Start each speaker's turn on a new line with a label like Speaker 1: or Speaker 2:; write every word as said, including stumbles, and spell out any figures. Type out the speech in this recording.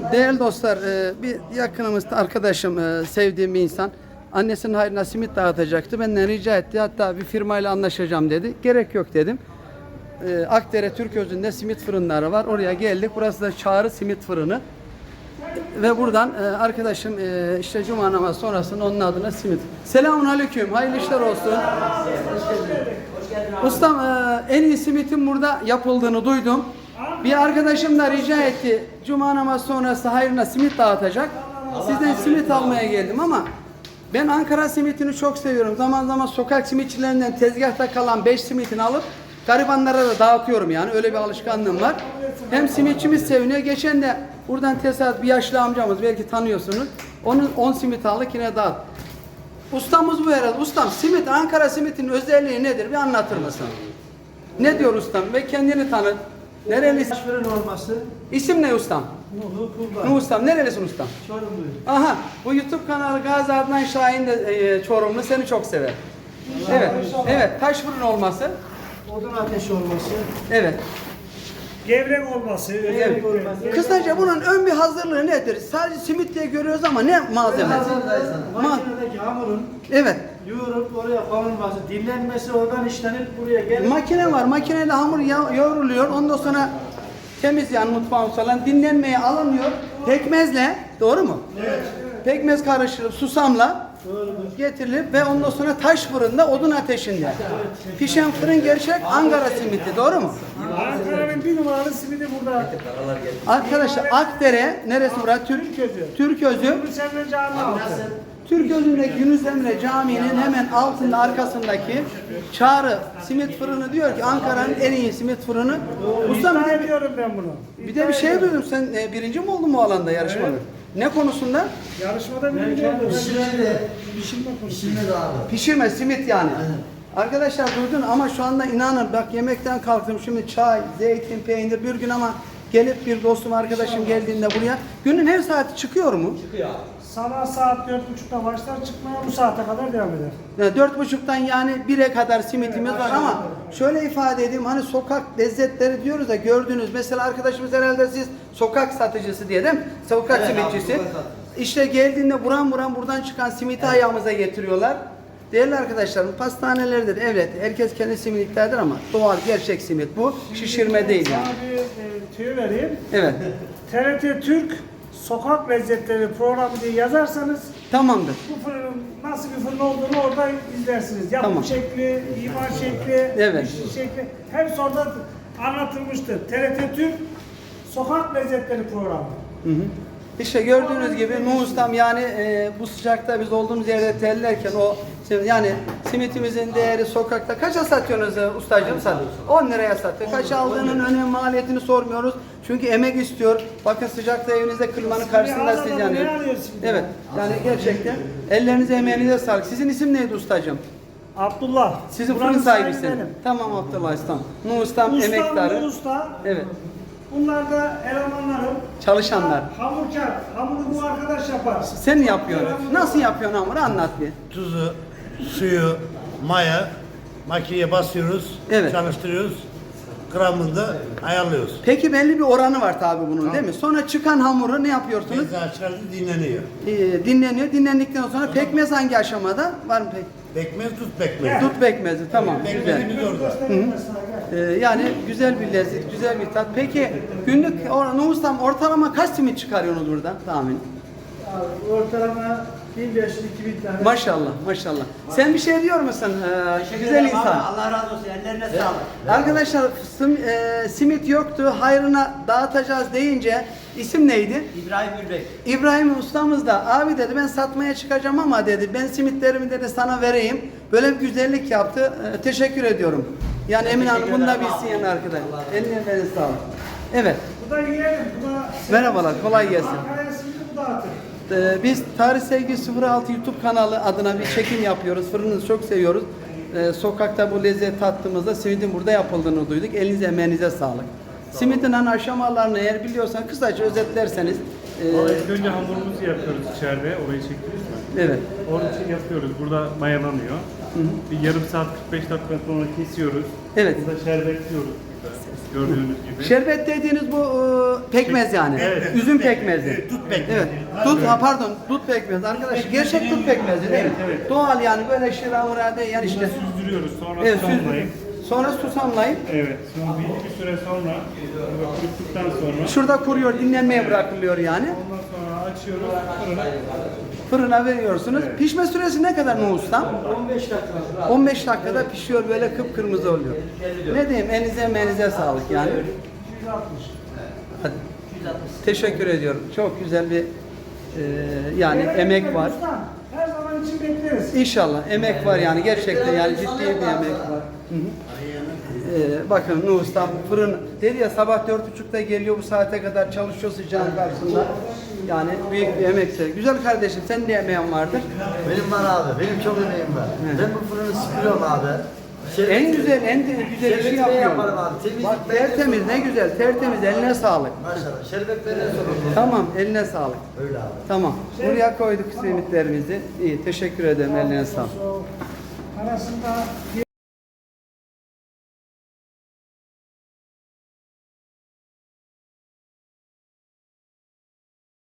Speaker 1: Değerli dostlar, e, bir yakınımız, arkadaşım, e, sevdiğim bir insan annesinin hayrına simit dağıtacaktı. Benden rica etti. Hatta bir firmayla anlaşacağım dedi. Gerek yok dedim. E, Akdere Türközü'nde simit fırınları var. Oraya geldik. Burası da Çağrı Simit Fırını. Ve buradan e, arkadaşım e, işte cuma namazı sonrasında onun adına simit. Selamun aleyküm. Hayırlı işler olsun. Ustam, e, en iyi simitin burada yapıldığını duydum. Bir arkadaşım da rica etti. Cuma namazı sonrası hayrına simit dağıtacak. Sizden simit almaya geldim ama ben Ankara simitini çok seviyorum. Zaman zaman sokak simitçilerinden tezgahta kalan beş simitini alıp garibanlara da dağıtıyorum yani. Öyle bir alışkanlığım var. Hem simitçimiz seviniyor. Geçen de buradan tesadüf bir yaşlı amcamız, belki tanıyorsunuz. Onun on simit aldık, yine dağıt. Ustamız bu herhalde. Ustam, simit, Ankara simitinin özelliği nedir? Bir anlatır mısın? Ne diyor ustam? Ve kendini tanıt. Nerelisin?
Speaker 2: Fırın olması.
Speaker 1: İsim ne ustam?
Speaker 2: Nuhu Kurban.
Speaker 1: Nuh ustam. Nerelisin ustam?
Speaker 2: Çorumluyum.
Speaker 1: Aha, bu YouTube kanalı Gazi Adnan Şahin de e, Çorumlu, seni çok sever. Evet, evet. Taş fırın olması.
Speaker 2: Odun ateşi olması.
Speaker 1: Evet.
Speaker 3: Gevrek olması,
Speaker 1: Evet.
Speaker 2: olması.
Speaker 1: Kısaca bunun ön bir hazırlığı nedir? Sadece simit diye görüyoruz ama ne malzeme? Ma
Speaker 2: Makinedeki hamurun
Speaker 1: evet.
Speaker 2: yoğurup oraya konulması, dinlenmesi, oradan işlenip buraya gelip
Speaker 1: Makine var. Makineyle hamur ya- yoğruluyor. Ondan sonra temiz, yani mutfağın falan dinlenmeye alınıyor. Pekmezle, doğru mu? Evet. Pekmez karıştırıp susamla
Speaker 2: doğrudur.
Speaker 1: getirilip ve ondan sonra taş fırında, odun ateşinde pişen fırın gerçek Ankara simiti, doğru mu?
Speaker 3: Ankara'nın bir numaralı simidi burada.
Speaker 1: Arkadaşlar Akdere neresi burası? Türk
Speaker 3: Türközü.
Speaker 1: Türközü.
Speaker 3: Yunus Emre Camii altı.
Speaker 1: Türközü'ndeki Yunus Emre Camii'nin hemen altında, arkasındaki Çağrı Simit Fırını diyor ki Ankara'nın en iyi simit fırını. Ustam, bir
Speaker 3: İddia
Speaker 1: de,
Speaker 3: ediyorum ben bunu.
Speaker 1: bir de bir şey duydum, sen e, birinci mi oldun bu alanda, yarışmada?
Speaker 3: Evet.
Speaker 1: Ne konusunda?
Speaker 3: Yarışmada birinci
Speaker 2: Belki
Speaker 3: oldum.
Speaker 2: pişirme
Speaker 3: Pişirme konusu.
Speaker 1: Pişirme, simit yani. Arkadaşlar duydun ama şu anda inanın bak, yemekten kalktım şimdi, çay, zeytin, peynir bir gün, ama gelip bir dostum, arkadaşım geldiğinde buraya günün her saati çıkıyor mu?
Speaker 3: Sabah saat dört buçukta başlar, çıkmaya bu saate kadar devam eder.
Speaker 1: Yani dört buçuktan yani bire kadar simitimiz var ama şöyle ifade edeyim, hani sokak lezzetleri diyoruz da, gördünüz mesela arkadaşımız herhalde siz sokak satıcısı diye değil mi? Sokak simitçisi. İşte geldiğinde buram buram buradan çıkan simiti ayağımıza getiriyorlar. Değerli arkadaşlarım, pastanelerdir, evet, herkes kendi simit iddia eder ama doğal, gerçek simit bu. Şişirme değil yani.
Speaker 3: Sana bir e, tüyo vereyim.
Speaker 1: Evet.
Speaker 3: T R T Türk Sokak Lezzetleri programı diye yazarsanız
Speaker 1: Tamamdır.
Speaker 3: bu fırının nasıl bir fırın olduğunu orada izlersiniz. Yapım
Speaker 1: Tamam.
Speaker 3: şekli, imar şekli,
Speaker 1: Evet.
Speaker 3: pişiş şekli hepsi orada anlatılmıştır. T R T Türk Sokak Lezzetleri programı.
Speaker 1: Hı hı. İşte gördüğünüz gibi Nuh Ustam, yani e, bu sıcakta biz olduğumuz yerde terlerken o yani simitimizin değeri sokakta kaça satıyorsunuz e, ustacığım? Sat. on liraya satıyor. Kaç aldığının önemi, maliyetini sormuyoruz. Çünkü emek istiyor. Bakın sıcakta evinizde klimanın karşısında siz
Speaker 3: adamı
Speaker 1: yani.
Speaker 3: ne arıyorsun şimdi?
Speaker 1: Evet. Yani gerçekten ellerinize, emeğinize sağlık. Sizin isim neydi ustacığım?
Speaker 3: Abdullah.
Speaker 1: Sizin
Speaker 3: Buranın
Speaker 1: fırın
Speaker 3: sahibi
Speaker 1: sahibisin.
Speaker 3: benim.
Speaker 1: Tamam Abdullah Ustam. Nuh Ustam
Speaker 3: Ustam,
Speaker 1: emektarı.
Speaker 3: bu usta.
Speaker 1: Evet.
Speaker 3: Bunlar da elemanlarım.
Speaker 1: Çalışanlar.
Speaker 3: Hamurkar. Hamuru bu arkadaş yapar.
Speaker 1: Sen yapıyorsun. Nasıl yapıyorsun hamuru? Anlat bir.
Speaker 4: Tuzu, suyu, maya makineye basıyoruz,
Speaker 1: Evet.
Speaker 4: çalıştırıyoruz. Gramında ayarlıyoruz.
Speaker 1: Peki belli bir oranı var tabi bunun, değil mi? Sonra çıkan hamuru ne yapıyorsunuz?
Speaker 4: Tezgaha çıkardı dinleniyor.
Speaker 1: Ee, dinleniyor. Dinlendikten sonra pekmez hangi aşamada? Var mı pek?
Speaker 4: Pekmez tut pekmez.
Speaker 1: Dut pekmezi. Tamam. Güzel.
Speaker 4: Pekmezimiz orada.
Speaker 1: Ee, yani güzel bir lezzet, güzel bir tat. Peki günlük or- Nuh Ustam ortalama kaç simit çıkarıyorsunuz buradan tahmin?
Speaker 2: Abi, ortalama bin beş yüz iki bin tane.
Speaker 1: Maşallah, maşallah. Sen bir şey diyor musun? Ee, güzel insan.
Speaker 5: Allah razı olsun. Ellerine sağlık.
Speaker 1: Arkadaşlar sim- e, simit yoktu, hayrına dağıtacağız deyince isim neydi?
Speaker 5: İbrahim Gülbek.
Speaker 1: İbrahim ustamız da abi dedi, ben satmaya çıkacağım ama dedi ben simitlerimi dedi sana vereyim. Böyle bir güzellik yaptı. Ee, teşekkür ediyorum. Yani Emin Hanım bunu da bilsin yani arkadaş. Eline beni sağlık. Evet.
Speaker 3: Bu da yiyelim. Bu da
Speaker 1: Merhabalar, kolay gelsin.
Speaker 3: Ankara'ya simidi bu dağıtır.
Speaker 1: Ee, biz Tarih Sevgi sıfır altı YouTube kanalı adına bir çekim yapıyoruz. Fırınınızı çok seviyoruz. Ee, sokakta bu lezzet tattığımızda simidin burada yapıldığını duyduk. Elinize emeğinize sağlık. Simidin hani aşamalarını eğer biliyorsan kısaca özetlerseniz. e,
Speaker 6: İlk önce hamurumuzu yapıyoruz içeride. Orayı çektiniz mi?
Speaker 1: evet.
Speaker 6: Onun için yapıyoruz. Burada mayalanıyor. Bir yarım saat kırk beş dakika sonra kesiyoruz.
Speaker 1: Evet.
Speaker 6: Burada şerbetliyoruz. gördüğünüz gibi.
Speaker 1: Şerbet dediğiniz bu e, pekmez yani.
Speaker 4: Evet.
Speaker 1: Üzüm pekmezi.
Speaker 4: Evet, dut pekmezi.
Speaker 1: Evet. Dut, ha, pardon, dut pekmezi. Arkadaşlar gerçek dut pekmezi değil mi?
Speaker 6: Evet, evet.
Speaker 1: Doğal yani böyle şiramura değil yani
Speaker 6: İşte
Speaker 1: işte.
Speaker 6: süzdürüyoruz, sonra
Speaker 1: Evet,
Speaker 6: susamlayıp.
Speaker 1: süzdürüp. Sonra susamlayıp.
Speaker 6: Evet, sonra belli bir süre sonra, kuruttuktan sonra
Speaker 1: Şurada kuruyor, dinlenmeye bırakılıyor yani.
Speaker 6: ondan sonra açıyoruz, fırına.
Speaker 1: Fırına veriyorsunuz. Pişme süresi ne kadar Nuh Ustam?
Speaker 2: on beş dakika.
Speaker 1: on beş dakikada pişiyor böyle kıpkırmızı oluyor. Ne diyeyim elinize menize sağlık yani. Hadi. Teşekkür ediyorum. Çok güzel bir e, yani
Speaker 3: Merak
Speaker 1: emek
Speaker 3: etmeyin
Speaker 1: var.
Speaker 3: ustam. Her zaman için bekleriz.
Speaker 1: İnşallah emek var yani gerçekten yani ciddi bir emek var. Hı hı. Ee, bakın Nuh Ustam fırın dedi ya sabah dört buçukta geliyor bu saate kadar çalışıyor sıcağın karşısında. Yani büyük bir emekse. Güzel kardeşim sen de emeğin vardır.
Speaker 7: Benim var abi, benim çok emeğim var. Ben bu fırını sıkıyorum abi. Şerbet-
Speaker 1: En güzel en de güzel işi
Speaker 7: Şerbetini
Speaker 1: yapıyorsun.
Speaker 7: yaparım abi, temizlik
Speaker 1: Bak
Speaker 7: ben
Speaker 1: tertemiz ne güzel tertemiz eline sağlık.
Speaker 7: Maşallah, şerbetlerine sorumlu.
Speaker 1: Tamam eline sağlık.
Speaker 7: Öyle abi.
Speaker 1: Tamam. Buraya koyduk simitlerimizi. İyi teşekkür ederim eline sağlık.
Speaker 3: Arasında